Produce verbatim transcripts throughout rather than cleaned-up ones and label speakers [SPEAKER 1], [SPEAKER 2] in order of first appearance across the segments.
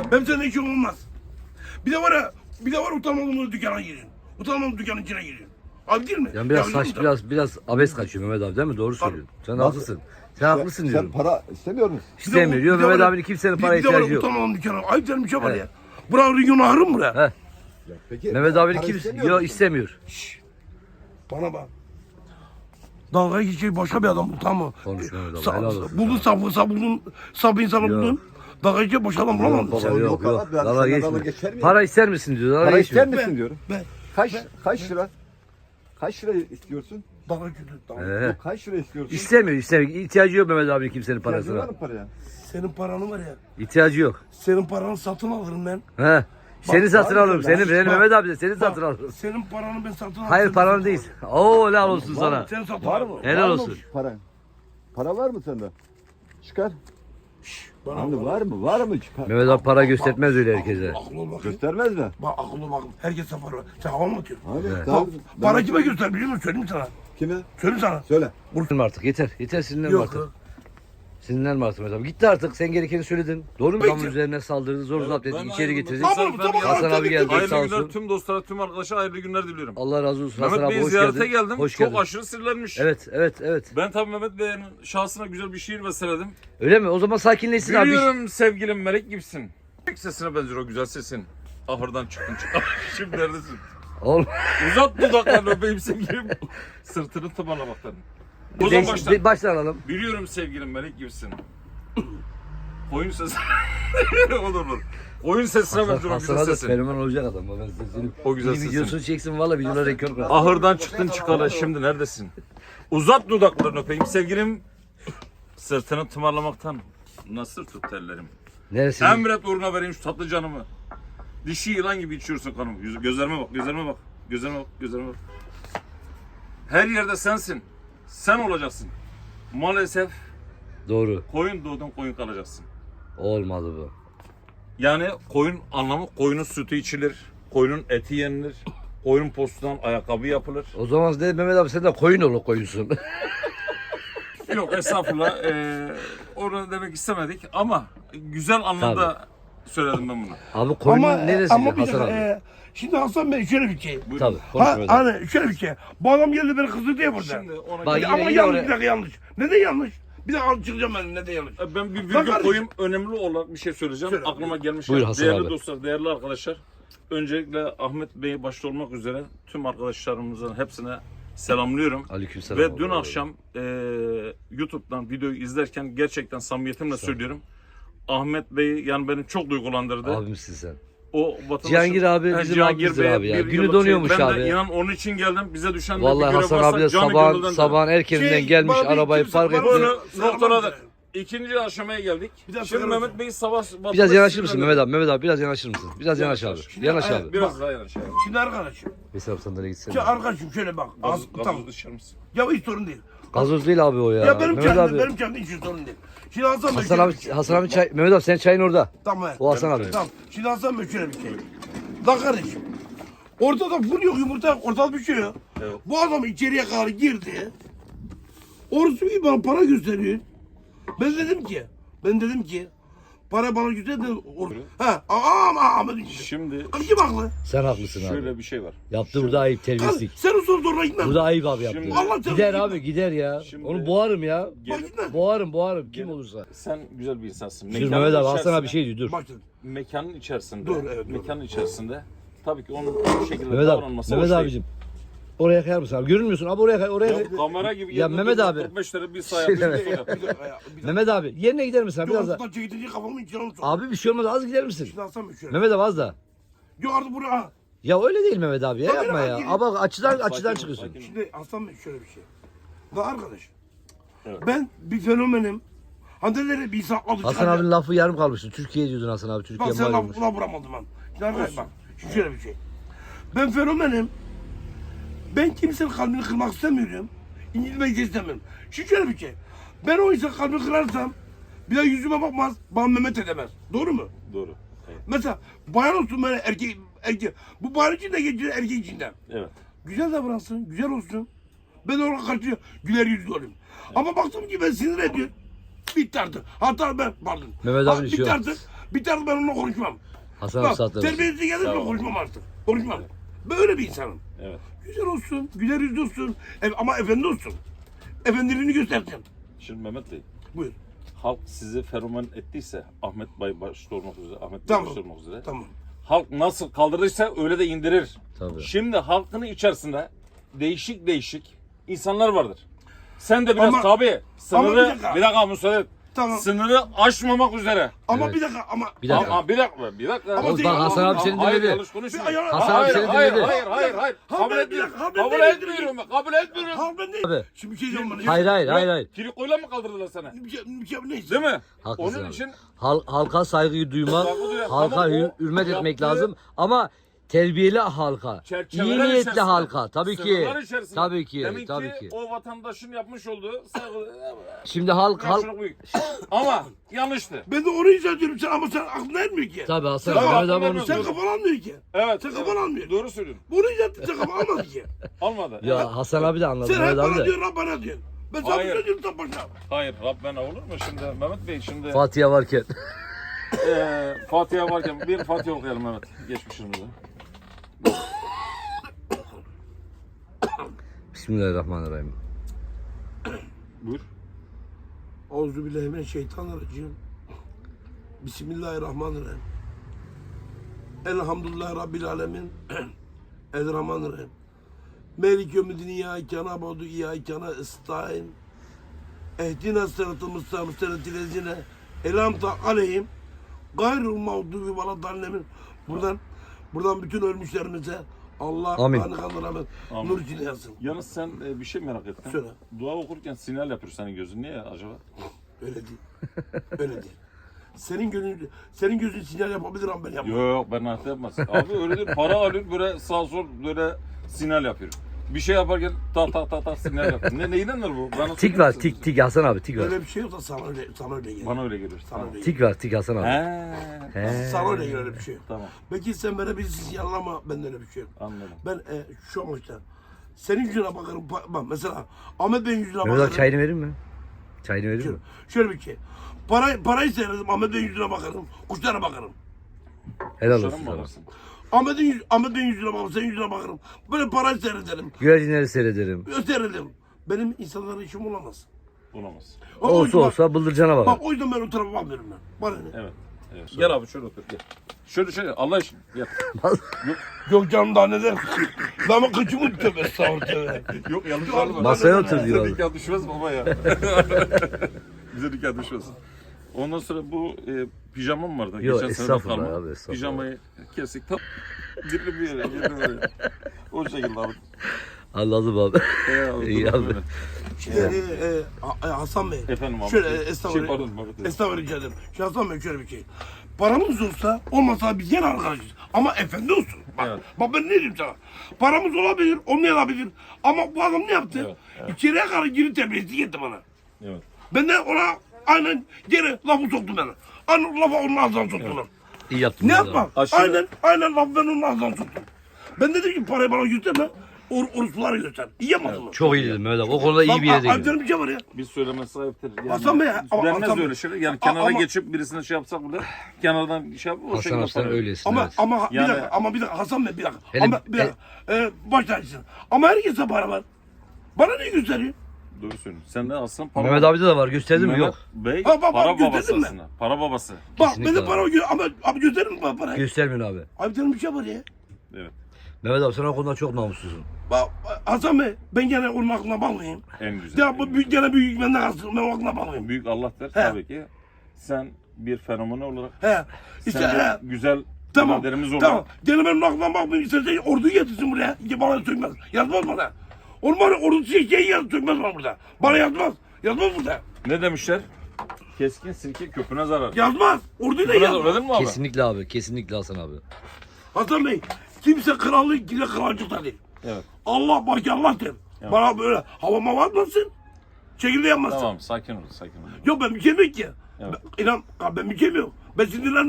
[SPEAKER 1] Benim seninle işim olmaz. Bir de var ya, bir de var utanmadığımız dükkana giriyorsun. Utanmadığımız dükkanın içine giriyorsun. Abi değil mi?
[SPEAKER 2] Yani biraz
[SPEAKER 1] Ya,
[SPEAKER 2] saç
[SPEAKER 1] değil mi?
[SPEAKER 2] biraz biraz abes kaçıyor Mehmet abi değil mi? Doğru söylüyorsun. Sen
[SPEAKER 3] Nasıl?
[SPEAKER 2] haklısın. Sen haklısın
[SPEAKER 3] Sen
[SPEAKER 2] diyorum.
[SPEAKER 3] para istemiyor musun?
[SPEAKER 1] Bir de
[SPEAKER 2] İstemiyor.
[SPEAKER 1] o-
[SPEAKER 2] Diyor
[SPEAKER 1] bir de
[SPEAKER 2] Mehmet
[SPEAKER 1] var-
[SPEAKER 2] abinin kimsenin
[SPEAKER 1] bir-
[SPEAKER 2] para
[SPEAKER 1] bir de var
[SPEAKER 2] ihtiyacı yok.
[SPEAKER 1] utanmadığımız dükkana. Ayıp denen bir şey var
[SPEAKER 2] Evet.
[SPEAKER 1] ya. Buranın regionu ahırı mı bura?
[SPEAKER 2] He.
[SPEAKER 3] Ya peki,
[SPEAKER 2] Mehmet abinin
[SPEAKER 3] para
[SPEAKER 2] kimse
[SPEAKER 3] istemiyor
[SPEAKER 2] yok
[SPEAKER 3] musun?
[SPEAKER 2] istemiyor.
[SPEAKER 1] Bana bak. Dalga geçecek başka bir adam bu, tamam mı?
[SPEAKER 2] Konuş Mehmet abi,
[SPEAKER 1] Sa-
[SPEAKER 2] helal olsun
[SPEAKER 1] Buldun sapı, sapı buldun, sapı insanı
[SPEAKER 2] Yok.
[SPEAKER 1] buldun. Dalga geçecek başka adam bulamadın.
[SPEAKER 2] Baba
[SPEAKER 3] Sen
[SPEAKER 2] yok
[SPEAKER 3] yok
[SPEAKER 2] yok.
[SPEAKER 3] abi, ben
[SPEAKER 2] Dalga
[SPEAKER 3] senden dalga
[SPEAKER 2] geçme.
[SPEAKER 3] geçer miyim?
[SPEAKER 2] Para ister misin diyor. Dalga
[SPEAKER 3] Para ister
[SPEAKER 2] geçmiyor.
[SPEAKER 3] misin diyorum.
[SPEAKER 1] Ben,
[SPEAKER 3] Kaç kaç lira? Kaç lira istiyorsun?
[SPEAKER 1] dalga geçiyor. dalga.
[SPEAKER 2] Ee,
[SPEAKER 3] Yok, kaç lira istiyorsun?
[SPEAKER 2] istemiyor istemiyor. İhtiyacı yok Mehmet abinin kimsenin
[SPEAKER 3] İhtiyacın var
[SPEAKER 2] parasına.
[SPEAKER 3] mı paraya?
[SPEAKER 1] Senin paranı var ya,
[SPEAKER 2] İhtiyacı yok.
[SPEAKER 1] senin paranı satın alırım ben.
[SPEAKER 2] He. Seni satın
[SPEAKER 3] var
[SPEAKER 2] alırım.
[SPEAKER 3] mı?
[SPEAKER 2] Senin, benim
[SPEAKER 1] Bak,
[SPEAKER 2] Mehmet abi de seni
[SPEAKER 1] Bak,
[SPEAKER 2] satın alırım.
[SPEAKER 1] senin paranı ben satın alırım.
[SPEAKER 2] Hayır
[SPEAKER 1] sen
[SPEAKER 2] paranı
[SPEAKER 1] satın
[SPEAKER 2] değil.
[SPEAKER 1] al.
[SPEAKER 2] Oo helal olsun sana.
[SPEAKER 1] Sen satın
[SPEAKER 3] Var
[SPEAKER 1] al.
[SPEAKER 3] mı?
[SPEAKER 2] Helal
[SPEAKER 3] Var mı
[SPEAKER 2] olsun.
[SPEAKER 3] Para. Para var mı sende? Çıkar.
[SPEAKER 1] Bana
[SPEAKER 3] Hani var mı? Var mı? Çıkar.
[SPEAKER 2] Mehmet abi para göstermez öyle herkese.
[SPEAKER 1] Akıllı ol bakayım.
[SPEAKER 3] Göstermez mi?
[SPEAKER 1] Bak akıllı ol bakayım. Herkes para var. Sen hava mı atıyorsun?
[SPEAKER 3] Abi,
[SPEAKER 2] Evet.
[SPEAKER 3] tamam.
[SPEAKER 1] Bak, para kime göster biliyor musun? Söyleyeyim mi sana?
[SPEAKER 3] Kime?
[SPEAKER 1] Söyleyeyim sana.
[SPEAKER 3] Söyle.
[SPEAKER 2] Vurma artık yeter. Yeter sinirlenme
[SPEAKER 1] Yok.
[SPEAKER 2] artık. Sinirlenme artık Mehmet abi. Gitti artık. Sen gerekeni söyledin. Doğru mu?
[SPEAKER 1] Peki.
[SPEAKER 2] Adamın üzerine saldırdı. Zor zapt etti.
[SPEAKER 4] ben
[SPEAKER 2] İçeri
[SPEAKER 4] ayrıldım.
[SPEAKER 2] getirdik.
[SPEAKER 1] Tamam oğlum, tamam.
[SPEAKER 2] Hasan abi geldi.
[SPEAKER 4] Hayırlı
[SPEAKER 2] Sağ
[SPEAKER 4] günler
[SPEAKER 2] olsun.
[SPEAKER 4] tüm dostlara, tüm arkadaşlara hayırlı günler diliyorum.
[SPEAKER 2] Allah razı olsun. Hasan
[SPEAKER 4] Mehmet
[SPEAKER 2] abi
[SPEAKER 4] Bey'i
[SPEAKER 2] hoş
[SPEAKER 4] ziyarete
[SPEAKER 2] geldin.
[SPEAKER 4] geldim.
[SPEAKER 2] Hoş
[SPEAKER 4] Çok
[SPEAKER 2] geldin.
[SPEAKER 4] aşırı sinirlenmiş.
[SPEAKER 2] Evet evet evet.
[SPEAKER 4] Ben tabii Mehmet Bey'in şahsına güzel bir şiir besteledim.
[SPEAKER 2] Öyle mi? O zaman sakinleşsin abi.
[SPEAKER 4] Biliyorum sevgilim melek gibisin. Melek sesine benziyor o güzel sesin. Ahırdan çıktın çık. Şimdi neredesin?
[SPEAKER 2] Oğlum.
[SPEAKER 4] Uzat dudaklarını öpeyim sevgilim. Sırtını tımarlamaktan. O zaman
[SPEAKER 2] Değiş,
[SPEAKER 4] baştan.
[SPEAKER 2] baştan alalım.
[SPEAKER 4] Biliyorum sevgilim melek gibisin. Koyun sesi. olur olur. Koyun sesine benziyor o
[SPEAKER 2] Hasan'a
[SPEAKER 4] güzel
[SPEAKER 2] da
[SPEAKER 4] sesin.
[SPEAKER 2] fenomen olacak adam. Ben size söyleyeyim.
[SPEAKER 4] O güzel
[SPEAKER 2] Bir
[SPEAKER 4] sesin.
[SPEAKER 2] videosunu çeksin valla videolar rekor kırar.
[SPEAKER 4] Ahırdan çıktın çıkalı şimdi neredesin? Uzat dudaklarını öpeyim sevgilim. Sırtını tımarlamaktan nasır tut tellerim.
[SPEAKER 2] Neresi?
[SPEAKER 4] Emret uğruna vereyim şu tatlı canımı. Dişi yılan gibi içiyorsun kanımı. Yüz- Gözlerime bak, gözlerime bak. Gözlerime bak, gözlerime bak. Her yerde sensin. Sen olacaksın. Maalesef
[SPEAKER 2] Doğru.
[SPEAKER 4] koyun doğdun koyun kalacaksın.
[SPEAKER 2] Olmadı bu.
[SPEAKER 4] Yani koyun anlamı koyunun sütü içilir. Koyunun eti yenilir. Koyun postundan ayakkabı yapılır.
[SPEAKER 2] O zaman dedi Mehmet abi sen de koyun olu koyunsun.
[SPEAKER 4] Yok estağfurullah. Ee, orada demek istemedik ama güzel anlamda söyledim ben bunu.
[SPEAKER 2] Abi koyunun
[SPEAKER 1] Ama,
[SPEAKER 2] neresi
[SPEAKER 1] ama bir
[SPEAKER 2] Hasan
[SPEAKER 1] dakika,
[SPEAKER 2] abi?
[SPEAKER 1] e, şimdi Hasan Bey şöyle bir şey.
[SPEAKER 4] Buyurun.
[SPEAKER 2] Tabii konuş
[SPEAKER 1] Ha,
[SPEAKER 2] Mehmet abi.
[SPEAKER 1] hani şöyle bir şey. Bu adam geldi beni kızdırdı ya burada.
[SPEAKER 4] Şimdi ona
[SPEAKER 2] Bak,
[SPEAKER 4] gel-
[SPEAKER 1] ama
[SPEAKER 2] yine-
[SPEAKER 1] yanlış,
[SPEAKER 2] oraya-
[SPEAKER 1] bir dakika yanlış. Neden yanlış? Bir dakika al çıkacağım ben, neden yanlış?
[SPEAKER 4] Ben bir
[SPEAKER 1] Bak
[SPEAKER 4] virgül
[SPEAKER 1] kardeşim.
[SPEAKER 4] koyayım önemli olarak bir şey söyleyeceğim.
[SPEAKER 1] Söyle.
[SPEAKER 4] Aklıma gelmiş.
[SPEAKER 2] Buyur
[SPEAKER 4] ya.
[SPEAKER 2] Hasan
[SPEAKER 4] Değerli
[SPEAKER 2] abi.
[SPEAKER 4] dostlar, değerli arkadaşlar. Öncelikle Ahmet Bey başta olmak üzere tüm arkadaşlarımızın hepsine selamlıyorum.
[SPEAKER 2] Aleykümselam.
[SPEAKER 4] Ve dün
[SPEAKER 2] abi.
[SPEAKER 4] akşam e, YouTube'dan videoyu izlerken gerçekten samimiyetimle söylüyorum. Ahmet Bey yani beni çok duygulandırdı.
[SPEAKER 2] Abimsin sen.
[SPEAKER 4] O vatandaşın...
[SPEAKER 2] Cihangir abi
[SPEAKER 4] He,
[SPEAKER 2] bizim
[SPEAKER 4] Cihangir
[SPEAKER 2] abimizdir
[SPEAKER 4] Bey'e
[SPEAKER 2] abi ya.
[SPEAKER 4] bir
[SPEAKER 2] Günü
[SPEAKER 4] yıllık
[SPEAKER 2] donuyormuş
[SPEAKER 4] şey. Ben
[SPEAKER 2] abi.
[SPEAKER 4] de inan onun için geldim. Bize düşen de bir
[SPEAKER 2] Vallahi
[SPEAKER 4] görev
[SPEAKER 2] Hasan
[SPEAKER 4] varsa
[SPEAKER 2] abi de
[SPEAKER 4] canı
[SPEAKER 2] sabahın,
[SPEAKER 4] gönülden de.
[SPEAKER 2] sabahın erkeninden
[SPEAKER 1] Şey,
[SPEAKER 2] gelmiş
[SPEAKER 1] bana bir
[SPEAKER 2] arabayı
[SPEAKER 1] kimse
[SPEAKER 2] park
[SPEAKER 1] bana
[SPEAKER 2] etti.
[SPEAKER 1] böyle-
[SPEAKER 4] Bunu noktaladık. İkinci aşamaya geldik.
[SPEAKER 1] Bir daha
[SPEAKER 4] Şimdi
[SPEAKER 1] söyle
[SPEAKER 4] Mehmet
[SPEAKER 1] hocam.
[SPEAKER 4] Bey sabah...
[SPEAKER 2] Biraz yanaşır mısın Mehmet abi? Mehmet abi biraz yanaşır mısın? Biraz yanaş abi.
[SPEAKER 1] Şimdi-
[SPEAKER 2] Yanaş
[SPEAKER 1] Evet,
[SPEAKER 2] abi.
[SPEAKER 4] Biraz daha yanaş.
[SPEAKER 1] Şimdi arkadaşım.
[SPEAKER 2] Mesela sandalye gitsene.
[SPEAKER 1] Şimdi arkadaşım şöyle bak. Az,
[SPEAKER 4] Gaz,
[SPEAKER 1] tamam.
[SPEAKER 4] gaz dışarı mısın?
[SPEAKER 1] Ya hiç sorun değil.
[SPEAKER 2] Gazoz değil abi o ya.
[SPEAKER 1] Ya, benim
[SPEAKER 2] Mehmet
[SPEAKER 1] kendim,
[SPEAKER 2] abi.
[SPEAKER 1] benim kendim hiç sorun değil. Şimdi Hasan Bey
[SPEAKER 2] Hasan
[SPEAKER 1] şöyle
[SPEAKER 2] abi,
[SPEAKER 1] bir şey.
[SPEAKER 2] Hasan abi çay. Mehmet abi senin çayın orada.
[SPEAKER 1] Tamam.
[SPEAKER 2] O Hasan abi.
[SPEAKER 1] Tamam. Şimdi Hasan Bey şöyle bir şey. Lan kardeşim. Ortada fır yok, yumurta yok, ortada bir şey yok.
[SPEAKER 4] Evet.
[SPEAKER 1] Bu adam içeriye kadar girdi. Orası bir bana para gösteriyor. Ben dedim ki, ben dedim ki, para bana gösterdi. Or ha, aa ama Ahmet işte.
[SPEAKER 4] Şimdi
[SPEAKER 1] Abi kim haklı?
[SPEAKER 2] Sen haklısın abi.
[SPEAKER 4] şöyle bir şey var.
[SPEAKER 2] Yaptı burada ayıp
[SPEAKER 1] Kan,
[SPEAKER 2] terbiyesizlik.
[SPEAKER 1] sen o son zoruna gitme.
[SPEAKER 2] Burada ayıp abi yaptı.
[SPEAKER 4] Şimdi-
[SPEAKER 1] Allah canım,
[SPEAKER 2] Gider
[SPEAKER 1] gitme.
[SPEAKER 2] abi gider ya.
[SPEAKER 4] Şimdi-
[SPEAKER 2] Onu boğarım ya.
[SPEAKER 1] Bak
[SPEAKER 4] Gelip,
[SPEAKER 1] gitme.
[SPEAKER 2] Boğarım boğarım kim
[SPEAKER 4] Gelip-
[SPEAKER 2] olursa.
[SPEAKER 4] sen güzel bir insansın.
[SPEAKER 2] Dur Mehmet abi al sana bir şey diyor dur.
[SPEAKER 1] Bak şimdi.
[SPEAKER 4] Mekanın içerisinde,
[SPEAKER 1] Doğru, evet, doğru.
[SPEAKER 4] mekanın içerisinde tabii ki onun bu şekilde
[SPEAKER 2] Mehmet abi,
[SPEAKER 4] davranması
[SPEAKER 2] Mehmet
[SPEAKER 4] hoş değil.
[SPEAKER 2] abicim. Oraya kayar mısın abi? Görünmüyorsun abi oraya kay oraya
[SPEAKER 4] Ya
[SPEAKER 2] kay.
[SPEAKER 4] kamera gibi
[SPEAKER 2] Ya
[SPEAKER 4] yedin,
[SPEAKER 2] Mehmet abi.
[SPEAKER 4] kırk beş lira bir sağ
[SPEAKER 2] Şey
[SPEAKER 4] yap, bir
[SPEAKER 2] deme.
[SPEAKER 4] sol yap.
[SPEAKER 1] Bir dakika ya, bir dakika.
[SPEAKER 2] Mehmet abi yerine gider misin abi
[SPEAKER 1] Yok
[SPEAKER 2] biraz da?
[SPEAKER 1] altından çekilince kafamın içine onu sok.
[SPEAKER 2] Abi bir şey olmaz az gider misin?
[SPEAKER 1] Şimdi Hasan Bey şöyle.
[SPEAKER 2] Mehmet abi az da.
[SPEAKER 1] Yok artık buraya.
[SPEAKER 2] Ya öyle değil Mehmet abi ya
[SPEAKER 1] Tabii
[SPEAKER 2] yapma
[SPEAKER 1] lan,
[SPEAKER 2] ya.
[SPEAKER 1] gidin.
[SPEAKER 2] Abi açıdan
[SPEAKER 4] Sakin ol,
[SPEAKER 2] açıdan çıkıyorsun.
[SPEAKER 4] sakin ol.
[SPEAKER 1] Şimdi Hasan Bey şöyle bir şey. Lan arkadaş.
[SPEAKER 4] Evet.
[SPEAKER 1] Ben bir fenomenim. Handeleri bir insan adı
[SPEAKER 2] Hasan abinin lafı yarım kalmıştı. Türkiye diyordun Hasan abi. Türkiye
[SPEAKER 1] Bak sen
[SPEAKER 2] mal
[SPEAKER 1] laf,
[SPEAKER 2] olmuş.
[SPEAKER 1] laf vuramadım ben. Şimdi arkadaş bak. Şimdi şöyle bir şey. Ben fenomenim. Ben kimsenin kalbini kırmak istemiyorum. İncilmek de istemiyorum. Şimdi şöyle bir şey. Ben o insan kalbini kırarsam bir daha yüzüme bakmaz, bana Mehmet edemez. Doğru mu?
[SPEAKER 4] Doğru. Evet.
[SPEAKER 1] Mesela bayan olsun böyle erkek, erkek. Bu bayan için de geçiyor erkek için de.
[SPEAKER 4] Evet.
[SPEAKER 1] Güzel davransın, güzel olsun. Ben ona karşı güler yüzlü olayım. Ama baktım ki ben sinir ediyor. Bitti artık. Hatta ben, pardon.
[SPEAKER 2] Mehmet
[SPEAKER 1] Ha,
[SPEAKER 2] abi işi
[SPEAKER 1] bitti
[SPEAKER 2] yok.
[SPEAKER 1] artık. Biter ben onunla konuşmam.
[SPEAKER 2] Hasan abi
[SPEAKER 1] Bak
[SPEAKER 2] saatler olsun.
[SPEAKER 1] terbiyesi gelirse
[SPEAKER 4] Sağ ol.
[SPEAKER 1] konuşmam artık. Konuşmam. Böyle bir insanım.
[SPEAKER 4] Evet.
[SPEAKER 1] Güzel olsun, güler yüzlü olsun. E, ama efendi olsun. Efendiliğini göstersin.
[SPEAKER 4] Şimdi Mehmet Bey,
[SPEAKER 1] Buyur.
[SPEAKER 4] halk sizi fenomen ettiyse Ahmet Bey başta olmak üzere, Ahmet Bey
[SPEAKER 1] Tamam.
[SPEAKER 4] başta olmak üzere.
[SPEAKER 1] Tamam.
[SPEAKER 4] Halk nasıl kaldırırsa öyle de indirir.
[SPEAKER 2] Tabii.
[SPEAKER 4] Şimdi halkın içerisinde değişik değişik insanlar vardır. Sen de biraz
[SPEAKER 1] Ama-
[SPEAKER 4] tabii
[SPEAKER 1] ama
[SPEAKER 4] sınırı
[SPEAKER 1] bir dakika.
[SPEAKER 4] bir dakika müsaade et.
[SPEAKER 1] Tamam.
[SPEAKER 4] Sınırı aşmamak üzere.
[SPEAKER 1] Ama
[SPEAKER 2] Evet.
[SPEAKER 1] bir dakika ama.
[SPEAKER 2] Bir dakika.
[SPEAKER 4] Ama bir dakika, bir dakika.
[SPEAKER 1] Ama
[SPEAKER 2] Oğlum
[SPEAKER 1] değil,
[SPEAKER 2] bak Hasan
[SPEAKER 1] ama-
[SPEAKER 2] abi seni
[SPEAKER 4] Hayır,
[SPEAKER 2] dinledi.
[SPEAKER 4] yanlış konuşma.
[SPEAKER 1] Bir ayar-
[SPEAKER 2] Hasan abi
[SPEAKER 4] hayır,
[SPEAKER 2] seni
[SPEAKER 4] hayır,
[SPEAKER 2] dinledi.
[SPEAKER 4] hayır, hayır, hayır.
[SPEAKER 1] Ha,
[SPEAKER 4] Kabul
[SPEAKER 1] ben-
[SPEAKER 4] etmiyorum.
[SPEAKER 1] bir dakika, ha, ben
[SPEAKER 4] Kabul
[SPEAKER 1] de-
[SPEAKER 4] etmiyorum. ben, Kabul etmiyorum.
[SPEAKER 1] Ha ben değil.
[SPEAKER 2] Abi.
[SPEAKER 1] Şimdi bir şey diyeceğim bana.
[SPEAKER 2] Hayır hayır hayır hayır.
[SPEAKER 4] Kirikoyla mı kaldırdılar sana?
[SPEAKER 1] Bir şey, bir şey neyse.
[SPEAKER 4] Değil mi?
[SPEAKER 2] Haklısın
[SPEAKER 4] Onun
[SPEAKER 2] abi.
[SPEAKER 4] için
[SPEAKER 2] Hal- halka saygıyı duymak,
[SPEAKER 4] Saygı duyar.
[SPEAKER 2] halka
[SPEAKER 4] Ama
[SPEAKER 2] hür-
[SPEAKER 4] o
[SPEAKER 2] hürmet etmek
[SPEAKER 4] yaptığı-
[SPEAKER 2] lazım ama terbiyeli halka,
[SPEAKER 4] çerçeveler
[SPEAKER 2] iyi niyetli
[SPEAKER 4] içerisinde,
[SPEAKER 2] halka tabii ki.
[SPEAKER 4] sınırlar içerisinde.
[SPEAKER 2] Tabii ki,
[SPEAKER 4] Demek
[SPEAKER 2] tabii
[SPEAKER 4] ki,
[SPEAKER 2] ki.
[SPEAKER 4] o vatandaşın yapmış olduğu saygı...
[SPEAKER 2] Şimdi halk halk
[SPEAKER 4] Karşılık büyük. Ama yanlıştı.
[SPEAKER 1] Ben de onu izah ediyorum sen ama sen aklına ermiyor ki.
[SPEAKER 2] tabii Hasan
[SPEAKER 1] Sen,
[SPEAKER 2] abi
[SPEAKER 4] Tamam,
[SPEAKER 2] Mehmet abi
[SPEAKER 4] tamam,
[SPEAKER 2] onu
[SPEAKER 1] sen
[SPEAKER 2] söylüyor.
[SPEAKER 1] kafan almıyor ki.
[SPEAKER 4] Evet.
[SPEAKER 1] Sen
[SPEAKER 4] evet.
[SPEAKER 1] kafanı almıyor.
[SPEAKER 4] Doğru söylüyorsun.
[SPEAKER 1] Bunu izah ettin sen kafan almadı ki.
[SPEAKER 4] Almadı. Evet.
[SPEAKER 2] Ya Hasan abi de anladı
[SPEAKER 1] Sen hep
[SPEAKER 2] Mehmet abi
[SPEAKER 1] bana
[SPEAKER 2] de.
[SPEAKER 1] diyorsun Rab bana diyorsun. Ben sana
[SPEAKER 4] Hayır.
[SPEAKER 1] bir şey diyorum sen başla.
[SPEAKER 4] Hayır Rabbena olur mu şimdi Mehmet Bey şimdi
[SPEAKER 2] Fatiha varken.
[SPEAKER 4] eee Fatiha varken bir Fatiha okuyalım Mehmet geçmişimize.
[SPEAKER 2] Bismillahirrahmanirrahim.
[SPEAKER 4] Buyur.
[SPEAKER 1] Euzubillahimineşşeytanirracim. Bismillahirrahmanirrahim. Elhamdülillahi Rabbil alemin. Elrahmanirrahim. Melik yevmiddin iyyâke na'budu ve iyyâke nestaîn. Ehdina sıratal mustakîm sıratal lezîne en'amte aleyhim gayril mağdûbi veleddâllîn. Buradan buradan bütün ölmüşlerimize Allah
[SPEAKER 2] Amin.
[SPEAKER 1] kanı kanı rahmet
[SPEAKER 4] Amin.
[SPEAKER 1] nur içinde yatsın.
[SPEAKER 4] Yalnız sen e, bir şey merak ettim.
[SPEAKER 1] Söyle.
[SPEAKER 4] Dua okurken sinyal yapıyor senin gözün. Niye acaba?
[SPEAKER 1] Öyle değil. Öyle değil. Senin gözün senin gözün sinyal yapabilir ama ben yapmam.
[SPEAKER 4] Yok yok ben hayatta yapmaz. Abi öyle değil. Para alıyor böyle sağ sol böyle sinyal yapıyor. Bir şey yaparken ta ta ta ta sinyal yapıyor. Ne neydendir bu? Bana
[SPEAKER 2] Tik var tik tik Hasan abi tik var.
[SPEAKER 1] Öyle bir şey yoksa sana öyle sana öyle gelir.
[SPEAKER 4] Bana öyle geliyor.
[SPEAKER 1] Sana
[SPEAKER 4] Tamam.
[SPEAKER 1] öyle gelir.
[SPEAKER 2] Tik var tik Hasan abi.
[SPEAKER 4] He.
[SPEAKER 2] He.
[SPEAKER 1] Sana öyle gelir öyle bir şey yok.
[SPEAKER 4] Tamam
[SPEAKER 1] Belki sen bana bir sinyallama bende öyle bir şey yok.
[SPEAKER 4] anladım.
[SPEAKER 1] Ben e, şu amaçta senin yüzüne bakarım. pa- Bak mesela Ahmet Bey'in yüzüne
[SPEAKER 2] Mehmet
[SPEAKER 1] bakarım.
[SPEAKER 2] abi çayını vereyim mi? Çayını vereyim mi?
[SPEAKER 1] Şöyle bir şey. Para, parayı seyrederim, Ahmet Bey'in yüzüne bakarım. Kuşlara bakarım.
[SPEAKER 2] Helal
[SPEAKER 4] Kuşlara
[SPEAKER 2] olsun
[SPEAKER 4] mı
[SPEAKER 2] sana.
[SPEAKER 4] bakarsın?
[SPEAKER 1] Ahmet'in yüz, Ahmet Bey'in yüzüne bakarım, senin yüzüne bakarım. Böyle parayı seyrederim.
[SPEAKER 2] Güvercinleri seyrederim.
[SPEAKER 1] Seyrederim. Benim insanlara işim olamaz.
[SPEAKER 4] Olamaz.
[SPEAKER 1] O- o
[SPEAKER 2] Olsa
[SPEAKER 1] yüzden bak-
[SPEAKER 2] olsa bıldırcana
[SPEAKER 1] Bak
[SPEAKER 2] bakar.
[SPEAKER 1] o yüzden ben o tarafa bakmıyorum ben. Bana ne?
[SPEAKER 4] Evet. evet. Gel abi şöyle otur gel. Şöyle şöyle Allah için gel.
[SPEAKER 1] Yok canım daha neden? Lama kıçımı tövbe estağfurullah.
[SPEAKER 4] Yok yanlış
[SPEAKER 1] Yok,
[SPEAKER 4] anlama.
[SPEAKER 2] Masaya otur
[SPEAKER 4] Bize
[SPEAKER 2] diyor abi.
[SPEAKER 4] nikah düşmez baba ya. Bize nikah düşmez. Ondan sonra bu e, pijamam vardı.
[SPEAKER 2] Yok,
[SPEAKER 4] Geçen sene
[SPEAKER 2] estağfurullah
[SPEAKER 4] kalma.
[SPEAKER 2] abi, estağfurullah.
[SPEAKER 4] Pijamayı kestik. Tam dipli bir yere. Girdim öyle. O şekilde abi.
[SPEAKER 2] Anladım abi.
[SPEAKER 4] E, abi,
[SPEAKER 2] İyi
[SPEAKER 4] dur,
[SPEAKER 2] abi.
[SPEAKER 4] böyle.
[SPEAKER 1] Şey, e, e, Ha- Hasan Bey.
[SPEAKER 4] Efendim abi.
[SPEAKER 1] Şöyle
[SPEAKER 4] Şey,
[SPEAKER 1] estağfurullah.
[SPEAKER 4] pardon Mehmet Bey.
[SPEAKER 1] Estağfurullah rica ederim. Şey Hasan Bey şöyle bir şey. Paramız olsa olmasa biz gene arkadaşız. Ama efendi olsun. Bak,
[SPEAKER 4] Evet.
[SPEAKER 1] bak ben ne diyeyim sana. Paramız olabilir, olmayabilir. Ama bu adam ne yaptı?
[SPEAKER 4] Evet, evet.
[SPEAKER 1] İçeriye kadar geri terbiyesi gitti bana.
[SPEAKER 4] Evet.
[SPEAKER 1] Ben de ona aynen geri lafı soktum bana. Aynen lafı onun ağzından soktum. lan.
[SPEAKER 2] İyi yaptın.
[SPEAKER 1] Ne
[SPEAKER 2] Mehmet
[SPEAKER 1] yapma?
[SPEAKER 2] abi.
[SPEAKER 4] Aşırı-
[SPEAKER 1] Aynen, aynen lafı ben onun ağzından soktum. Ben dedim ki parayı bana gösterme. Or orospuları göster. İyi yapmadın mı?
[SPEAKER 2] Çok iyi dedin Mehmet abi. O konuda iyi bir yerde
[SPEAKER 1] Bak,
[SPEAKER 2] gidiyor.
[SPEAKER 1] Abi bir şey var ya.
[SPEAKER 4] Biz söyleme sahiptir. Yani,
[SPEAKER 1] Hasan Bey, ama-
[SPEAKER 4] Denmez
[SPEAKER 1] Hasan Bey-
[SPEAKER 4] öyle şeyler. Yani
[SPEAKER 1] A-
[SPEAKER 4] kenara
[SPEAKER 1] ama-
[SPEAKER 4] geçip birisine şey yapsak burada. Kenardan şey yap. O
[SPEAKER 2] Hasan
[SPEAKER 4] şekilde
[SPEAKER 2] abi sen
[SPEAKER 4] para-
[SPEAKER 2] öylesin.
[SPEAKER 1] Ama
[SPEAKER 2] evet.
[SPEAKER 1] ama bir
[SPEAKER 4] Yani-
[SPEAKER 1] dakika ama bir dakika Hasan Bey bir dakika.
[SPEAKER 2] Hele-
[SPEAKER 1] ama bir dakika. Ee, baş tacısın. Ama herkese para var. Bana ne gösteriyor?
[SPEAKER 4] Doğru söylüyorsun. Sen de aslında para...
[SPEAKER 2] Mehmet abi de de var. Gösterdin mi?
[SPEAKER 4] Mehmet
[SPEAKER 2] Yok.
[SPEAKER 4] Bey
[SPEAKER 1] Ha, bak, bak,
[SPEAKER 4] para
[SPEAKER 1] gösterdin
[SPEAKER 4] babası
[SPEAKER 1] mi?
[SPEAKER 4] aslında. Para babası.
[SPEAKER 1] Bak
[SPEAKER 2] Kesinlikle
[SPEAKER 1] benim para
[SPEAKER 2] abi.
[SPEAKER 1] gö ama abi gösterir mi bana parayı?
[SPEAKER 2] Göstermiyor abi.
[SPEAKER 1] Abi dedim bir şey var ya.
[SPEAKER 4] Evet.
[SPEAKER 2] Mehmet abi sen o konuda çok namussuzsun.
[SPEAKER 1] Bak Hasan Bey ben gene onun aklına bakmayayım.
[SPEAKER 4] En güzel.
[SPEAKER 1] Ya bu büyük gene büyük benden kalsın ben onun aklına bakmayayım.
[SPEAKER 4] Büyük Allah der tabii ki. Sen bir fenomen olarak,
[SPEAKER 1] He. İşte
[SPEAKER 4] sen
[SPEAKER 1] he.
[SPEAKER 4] bir güzel
[SPEAKER 1] Tamam.
[SPEAKER 4] biraderimiz olarak
[SPEAKER 1] Tamam. Gene benim aklına bakmayayım. İstersen orduyu getirsin buraya. Ya bana sökmez. Yazmaz bana. Onun bana ordusu şey, şey yaz sökmez bana burada. Bana yazmaz. Yazmaz burada.
[SPEAKER 4] ne demişler? Keskin sirke köpüne zarar.
[SPEAKER 1] Yazmaz. Orduyu da
[SPEAKER 4] Köpüne
[SPEAKER 1] yazmaz.
[SPEAKER 4] zarar öyle mi abi?
[SPEAKER 2] Kesinlikle abi. Kesinlikle Hasan abi.
[SPEAKER 1] Hasan Bey, kimse krallığı gide kralcıkta değil.
[SPEAKER 4] Evet.
[SPEAKER 1] Allah bak Allah'tır. Bana böyle havama atmasın. Şekilde yapmasın.
[SPEAKER 4] Tamam sakin ol sakin ol.
[SPEAKER 1] Yok ben bir şey yok ki.
[SPEAKER 4] Evet.
[SPEAKER 1] Ben, inan ben bir şey yok. Ben sinirlenmem.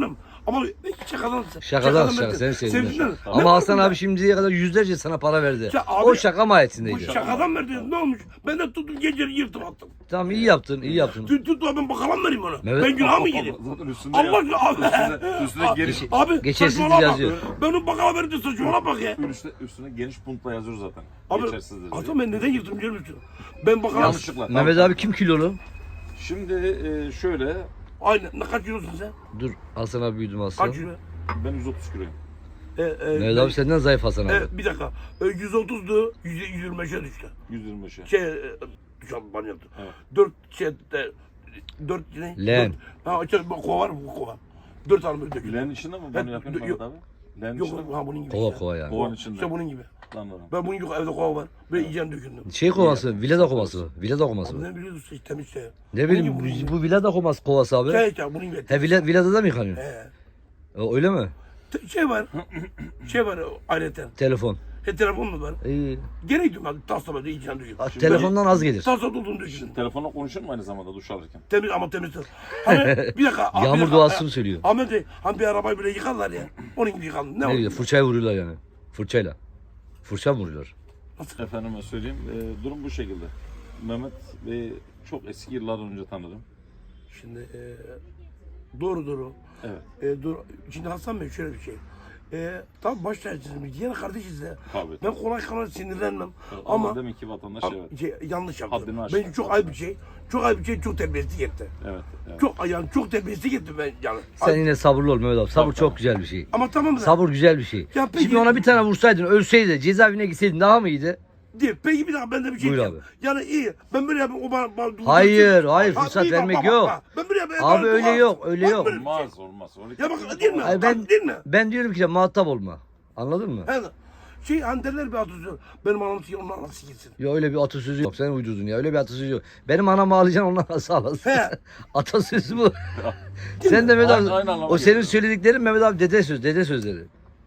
[SPEAKER 1] Ama ben şakadan
[SPEAKER 2] Şakadan şaka
[SPEAKER 1] verdim.
[SPEAKER 2] seni sevdim.
[SPEAKER 1] Sevdiler. Ne
[SPEAKER 2] Ama
[SPEAKER 1] var
[SPEAKER 2] Hasan
[SPEAKER 1] bunda?
[SPEAKER 2] abi şimdiye kadar yüzlerce sana para verdi.
[SPEAKER 1] Ya abi-
[SPEAKER 2] o şaka
[SPEAKER 1] Bu
[SPEAKER 2] mahiyetindeydi.
[SPEAKER 1] şakadan verdi. Ne olmuş? Ben de tuttum geceleri yırtıp attım.
[SPEAKER 2] Tamam iyi yaptın, iyi yaptın.
[SPEAKER 1] Tut tut ben bakalım vereyim ona.
[SPEAKER 2] Evet.
[SPEAKER 1] Ben günah mı gireyim?
[SPEAKER 4] Zaten üstünde
[SPEAKER 1] Allah
[SPEAKER 4] ya.
[SPEAKER 1] aşkına abi.
[SPEAKER 4] Üstüne, üstüne geniş,
[SPEAKER 1] Abi
[SPEAKER 2] Geçersiz
[SPEAKER 1] saçmalama.
[SPEAKER 2] yazıyor.
[SPEAKER 1] Ben onu bakalım verdim saçmalama bak ya.
[SPEAKER 4] üstüne, üstüne geniş puntla yazıyor zaten.
[SPEAKER 1] Abi
[SPEAKER 4] Geçersizdir diye.
[SPEAKER 1] Hasan ben neden yırttım biliyor musun? Ben bakalım.
[SPEAKER 4] Yanlışlıkla.
[SPEAKER 2] Mehmet
[SPEAKER 4] Tamam.
[SPEAKER 2] abi kim kilolu?
[SPEAKER 4] Şimdi e, şöyle,
[SPEAKER 1] Aynen. Ne kaç kilosun sen?
[SPEAKER 2] Dur Hasan abi büyüdüm Hasan.
[SPEAKER 1] Kaç kilo?
[SPEAKER 4] ben yüz otuz kiloyum.
[SPEAKER 1] E, e,
[SPEAKER 2] Mehmet abi senden zayıf Hasan abi.
[SPEAKER 1] e, bir dakika. E, yüz otuzdu. yüz yirmi beşe düştü.
[SPEAKER 4] yüz yirmi beşe.
[SPEAKER 1] Şey, e, düşen bana yaptı.
[SPEAKER 4] Evet.
[SPEAKER 1] Dört şey, e, dört ne?
[SPEAKER 2] Len.
[SPEAKER 1] Dört- Ha, işte bu kova var mı bu kova? Dört tane böyle döküldü.
[SPEAKER 4] Leğenin içinde mi bunu
[SPEAKER 1] Evet,
[SPEAKER 4] yapıyorsun
[SPEAKER 1] yok.
[SPEAKER 4] Mehmet abi? Leğenin
[SPEAKER 1] Yok
[SPEAKER 4] içinde mi?
[SPEAKER 1] ha bunun gibi.
[SPEAKER 2] Kova
[SPEAKER 1] işte.
[SPEAKER 2] kova yani.
[SPEAKER 4] Kovanın içinde.
[SPEAKER 1] İşte bunun gibi.
[SPEAKER 4] Anladım.
[SPEAKER 1] Ben bunun gibi evde kova var. Böyle yiyeceğim döküldüm.
[SPEAKER 2] Şey kovası, villada kovası mı? Villada kovası
[SPEAKER 1] Abi
[SPEAKER 2] mı?
[SPEAKER 1] ne biliyorsun işte temiz şey.
[SPEAKER 2] Ne bileyim bu, bu villada kovası kovası abi.
[SPEAKER 1] Şey işte bunun gibi.
[SPEAKER 2] He villa, villada da mı yıkanıyor?
[SPEAKER 1] He.
[SPEAKER 2] O, öyle mi?
[SPEAKER 1] Te- Şey var. şey var ayrıca.
[SPEAKER 2] Telefon.
[SPEAKER 1] He telefon mu var?
[SPEAKER 2] İyi.
[SPEAKER 1] Gene gidiyorum ben tasla böyle yiyeceğim döküldüm.
[SPEAKER 2] A, telefondan az gelir.
[SPEAKER 1] Tasla doldum döküldüm.
[SPEAKER 4] Telefonla konuşur mu aynı zamanda duş alırken?
[SPEAKER 1] Temiz ama temiz. Hani bir dakika. bir
[SPEAKER 2] Yağmur
[SPEAKER 1] dakika,
[SPEAKER 2] duasını
[SPEAKER 1] e,
[SPEAKER 2] söylüyor.
[SPEAKER 1] Ahmet Bey hani bir arabayı böyle yıkarlar ya. Onun gibi yıkandım. Ne,
[SPEAKER 2] Ne
[SPEAKER 1] var?
[SPEAKER 2] güzel fırçayı vuruyorlar yani. Fırçayla. Fırça mı vuruyorlar?
[SPEAKER 4] Efendime söyleyeyim, e, durum bu şekilde. Mehmet Bey'i çok eski yıllar önce tanırım.
[SPEAKER 1] Şimdi e, doğru doğru.
[SPEAKER 4] Evet.
[SPEAKER 1] E, doğru. Şimdi Hasan Bey şöyle bir şey. E, tabii baş tacısıyız. Diğer kardeşiz de.
[SPEAKER 4] Tabii.
[SPEAKER 1] Ben kolay kolay sinirlenmem.
[SPEAKER 4] Ama
[SPEAKER 1] Ama
[SPEAKER 4] demek ki vatandaş
[SPEAKER 1] Abi,
[SPEAKER 4] evet.
[SPEAKER 1] şey, yanlış yaptım.
[SPEAKER 4] Haddini aştı.
[SPEAKER 1] Ben çok ayıp bir şey. Çok ayıp bir şey, çok terbiyesizlik etti.
[SPEAKER 4] Evet. evet.
[SPEAKER 1] Çok yani çok terbiyesizlik etti ben yani.
[SPEAKER 2] Sen
[SPEAKER 1] Ay-
[SPEAKER 2] yine sabırlı ol Mehmet abi. Sabır
[SPEAKER 4] Tamam,
[SPEAKER 2] çok
[SPEAKER 4] tamam.
[SPEAKER 2] güzel bir şey.
[SPEAKER 1] Ama tamam da.
[SPEAKER 2] Sabır güzel bir şey.
[SPEAKER 1] Ya peki-
[SPEAKER 2] Şimdi ona bir tane vursaydın, ölseydi, cezaevine gitseydin daha mı iyiydi?
[SPEAKER 1] Değil. Peki bir dakika ben de bir şey
[SPEAKER 2] Buyur
[SPEAKER 1] diyeyim. Yani iyi. Ben böyle yapayım o bana... bana
[SPEAKER 2] Hayır, hayır,
[SPEAKER 1] Ha,
[SPEAKER 2] fırsat
[SPEAKER 1] iyi, bak,
[SPEAKER 2] vermek
[SPEAKER 1] bak,
[SPEAKER 2] yok.
[SPEAKER 1] bak. Ben böyle yapayım.
[SPEAKER 2] Abi
[SPEAKER 1] bana-
[SPEAKER 2] öyle
[SPEAKER 1] bak,
[SPEAKER 2] yok, öyle
[SPEAKER 1] bak
[SPEAKER 2] yok.
[SPEAKER 1] böyle bir şey.
[SPEAKER 4] Olmaz olmaz. Öyle
[SPEAKER 1] Ya bak değil mi?
[SPEAKER 2] Ay ben
[SPEAKER 1] Bak, değil mi?
[SPEAKER 2] ben diyorum ki muhatap olma. Anladın mı?
[SPEAKER 1] Yani şey hani derler bir atasözü. Benim anam sikir, onun anası gitsin.
[SPEAKER 2] Ya öyle bir atasözü yok. Sen uydurdun ya. Öyle bir atasözü yok. Benim anamı ağlayacaksın ondan nasıl ağlasın?
[SPEAKER 1] He.
[SPEAKER 2] Atasözü bu. Sen de Mehmet
[SPEAKER 4] Aynı-
[SPEAKER 2] abi.
[SPEAKER 4] aynı anlama
[SPEAKER 2] O senin
[SPEAKER 4] geliyor.
[SPEAKER 2] söylediklerin Mehmet abi dede söz, dede sözleri.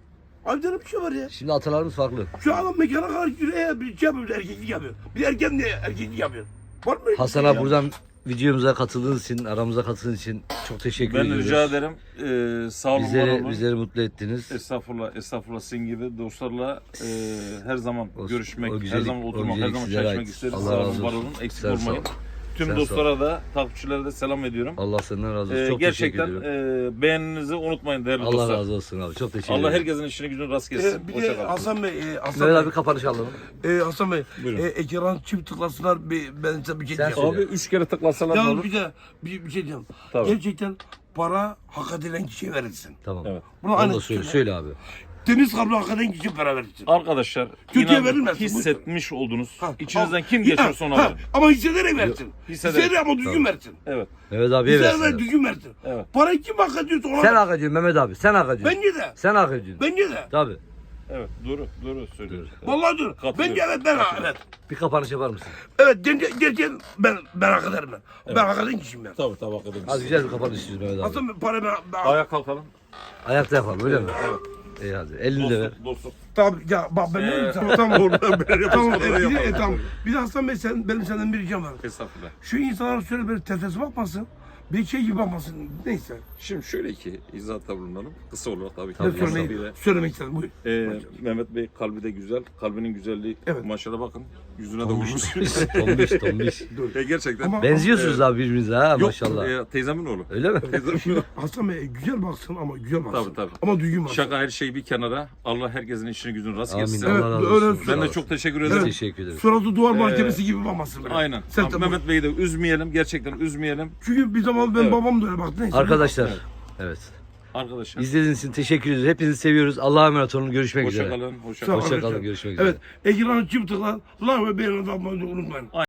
[SPEAKER 1] Abi canım bir şey var ya.
[SPEAKER 2] Şimdi atalarımız farklı.
[SPEAKER 1] Şu adam mekana kadar yürüye bir şey yapıyor, bir erkeklik yapıyor. Bir erkek ne erkeklik yapıyor. Var mı? öyle bir
[SPEAKER 2] Hasan
[SPEAKER 1] şey
[SPEAKER 2] abi
[SPEAKER 1] ya?
[SPEAKER 2] buradan videomuza katıldığınız için, aramıza katıldığınız için çok teşekkür
[SPEAKER 4] Ben
[SPEAKER 2] ediyoruz.
[SPEAKER 4] rica ederim. Ee, sağ olun, var
[SPEAKER 2] Bizleri,
[SPEAKER 4] olun.
[SPEAKER 2] bizleri mutlu ettiniz.
[SPEAKER 4] Estağfurullah, estağfurullah sizin gibi dostlarla e, her zaman
[SPEAKER 2] O-
[SPEAKER 4] görüşmek,
[SPEAKER 2] o
[SPEAKER 4] her
[SPEAKER 2] güzellik-
[SPEAKER 4] zaman
[SPEAKER 2] o
[SPEAKER 4] oturmak, her
[SPEAKER 2] güzellik
[SPEAKER 4] zaman
[SPEAKER 2] sizlere
[SPEAKER 4] çay içmek
[SPEAKER 2] ait.
[SPEAKER 4] isteriz.
[SPEAKER 2] Allah
[SPEAKER 4] Sağ
[SPEAKER 2] razı
[SPEAKER 4] olun, var
[SPEAKER 2] olsun.
[SPEAKER 4] olun, eksik
[SPEAKER 2] Sen sağ
[SPEAKER 4] olmayın.
[SPEAKER 2] ol.
[SPEAKER 4] Tüm
[SPEAKER 2] Sen sağ ol.
[SPEAKER 4] dostlara da, takipçilere de selam ediyorum.
[SPEAKER 2] Allah senden razı olsun.
[SPEAKER 4] Ee,
[SPEAKER 2] Çok
[SPEAKER 4] gerçekten
[SPEAKER 2] teşekkür ediyorum.
[SPEAKER 4] e, beğeninizi unutmayın değerli
[SPEAKER 2] Allah
[SPEAKER 4] dostlar.
[SPEAKER 2] razı olsun abi. Çok teşekkür
[SPEAKER 4] Allah
[SPEAKER 2] ederim.
[SPEAKER 4] herkesin işini gücünü rast gelsin.
[SPEAKER 1] Ee, bir
[SPEAKER 4] Hoşça
[SPEAKER 1] de
[SPEAKER 4] kalın.
[SPEAKER 1] Hasan Bey, e, Hasan
[SPEAKER 2] Mehmet
[SPEAKER 1] Bey,
[SPEAKER 2] abi kapanış alalım.
[SPEAKER 1] e, Hasan Bey,
[SPEAKER 4] Buyurun.
[SPEAKER 1] e, ekran çift tıklasınlar, bir, ben size bir şey
[SPEAKER 2] Sen
[SPEAKER 1] diyeceğim.
[SPEAKER 2] söyle.
[SPEAKER 4] Abi üç kere tıklasalar ne
[SPEAKER 1] Yalnız
[SPEAKER 4] olur?
[SPEAKER 1] bir de bir, bir şey diyeceğim.
[SPEAKER 4] Tabii.
[SPEAKER 1] Gerçekten para hak edilen kişiye verilsin.
[SPEAKER 2] Tamam.
[SPEAKER 4] Evet.
[SPEAKER 1] Bunu
[SPEAKER 2] Onu
[SPEAKER 1] aynı
[SPEAKER 2] da söyle,
[SPEAKER 1] söyle.
[SPEAKER 2] söyle abi.
[SPEAKER 1] Temiz kalpli hak eden kişiye para verilsin.
[SPEAKER 4] Arkadaşlar
[SPEAKER 1] Kötüye
[SPEAKER 4] inan
[SPEAKER 1] verilmez.
[SPEAKER 4] hissetmiş oldunuz.
[SPEAKER 1] Ha,
[SPEAKER 4] İçinizden
[SPEAKER 1] ama-
[SPEAKER 4] kim geçiyorsa ona
[SPEAKER 1] Ha,
[SPEAKER 4] verin.
[SPEAKER 1] ama hissederek versin.
[SPEAKER 4] hissederek.
[SPEAKER 1] Hissederek ama düzgün versin.
[SPEAKER 4] Evet.
[SPEAKER 2] Mehmet abiye
[SPEAKER 1] Hissederek
[SPEAKER 2] versin.
[SPEAKER 1] düzgün versin.
[SPEAKER 4] Evet.
[SPEAKER 1] Parayı kim hak ediyorsa ona
[SPEAKER 2] Sen
[SPEAKER 1] ver.
[SPEAKER 2] hak ediyorsun Mehmet abi. Sen hak ediyorsun.
[SPEAKER 1] Bence de.
[SPEAKER 2] Sen hak ediyorsun.
[SPEAKER 1] Bence de.
[SPEAKER 2] Tabii.
[SPEAKER 4] Evet. Doğru. Doğru söylüyorsun. Evet.
[SPEAKER 1] Vallahi dur.
[SPEAKER 4] Katılıyorum.
[SPEAKER 1] Bence evet ben evet.
[SPEAKER 2] Bir kapanış yapar mısın?
[SPEAKER 1] Evet gerçekten gerçekten ben ben hak ederim ben. Ben hak eden kişiyim ben.
[SPEAKER 4] Tabii tabii hakikaten.
[SPEAKER 2] Az güzel bir kapanış istiyoruz Mehmet abi.
[SPEAKER 1] Hasan Bey para ben, ben
[SPEAKER 4] Ayağa kalkalım.
[SPEAKER 2] Ayakta yapalım öyle mi? Evet. İyi hadi. Elini de ver.
[SPEAKER 4] Dostluk, dostluk.
[SPEAKER 1] Tamam ya bak ben ne
[SPEAKER 4] Ee,
[SPEAKER 1] tamam tamam orada böyle tamam
[SPEAKER 4] Orada
[SPEAKER 1] e, bir de,
[SPEAKER 4] yapalım.
[SPEAKER 1] e, tamam. Bir de Hasan Bey sen benim senden bir ricam var.
[SPEAKER 4] Estağfurullah.
[SPEAKER 1] Şu insanlara şöyle böyle tefesi bakmasın. Bir şey gibi bakmasın. Neyse.
[SPEAKER 4] Şimdi şöyle ki izahatta bulunalım. Kısa olarak tabii ki.
[SPEAKER 1] Ne söylemek,
[SPEAKER 4] Mesafeyle.
[SPEAKER 1] söylemek istedim buyur.
[SPEAKER 4] Ee, Mehmet Bey kalbi de güzel. Kalbinin güzelliği.
[SPEAKER 1] Evet.
[SPEAKER 4] Maşallah bakın. Yüzüne de vurmuş.
[SPEAKER 2] Tombiş tombiş.
[SPEAKER 4] e, gerçekten.
[SPEAKER 1] Ama-
[SPEAKER 2] Benziyorsunuz abi birbirinize ha
[SPEAKER 4] Yok,
[SPEAKER 2] maşallah.
[SPEAKER 4] e, teyzemin oğlu.
[SPEAKER 2] Öyle mi?
[SPEAKER 4] Teyzemin oğlu.
[SPEAKER 1] Hasan Bey güzel baksın ama güzel baksın.
[SPEAKER 4] Tabii, tabii.
[SPEAKER 1] Ama düzgün baksın.
[SPEAKER 4] Şaka her şey bir kenara. Allah herkesin işini gücünü rast
[SPEAKER 2] Amin.
[SPEAKER 4] gelsin.
[SPEAKER 1] Evet,
[SPEAKER 2] Allah razı
[SPEAKER 1] öyle
[SPEAKER 2] olsun.
[SPEAKER 4] Ben de
[SPEAKER 2] Sağ ol.
[SPEAKER 4] çok teşekkür
[SPEAKER 2] Biz
[SPEAKER 4] ederim.
[SPEAKER 2] teşekkür ederiz.
[SPEAKER 1] Suratı duvar mahkemesi gibi bakmasın böyle.
[SPEAKER 4] Aynen.
[SPEAKER 1] Sen
[SPEAKER 4] Abi,
[SPEAKER 1] tamam.
[SPEAKER 4] Mehmet Bey'i de üzmeyelim. Gerçekten üzmeyelim.
[SPEAKER 1] Çünkü bir zaman ben
[SPEAKER 4] Evet.
[SPEAKER 1] babam da öyle baktı. Neyse.
[SPEAKER 2] Arkadaşlar. Evet.
[SPEAKER 4] Arkadaşlar.
[SPEAKER 2] İzlediğiniz için teşekkür ederiz. Hepinizi seviyoruz. Allah'a emanet olun. Görüşmek
[SPEAKER 4] Hoşça
[SPEAKER 2] üzere.
[SPEAKER 4] kalın. Hoşça
[SPEAKER 1] Sağ ol.
[SPEAKER 4] kalın.
[SPEAKER 2] Hoşça kalın. Görüşmek üzere.
[SPEAKER 1] Evet. Ekranı çift tıkla. Like ve beğeni atmayı unutmayın.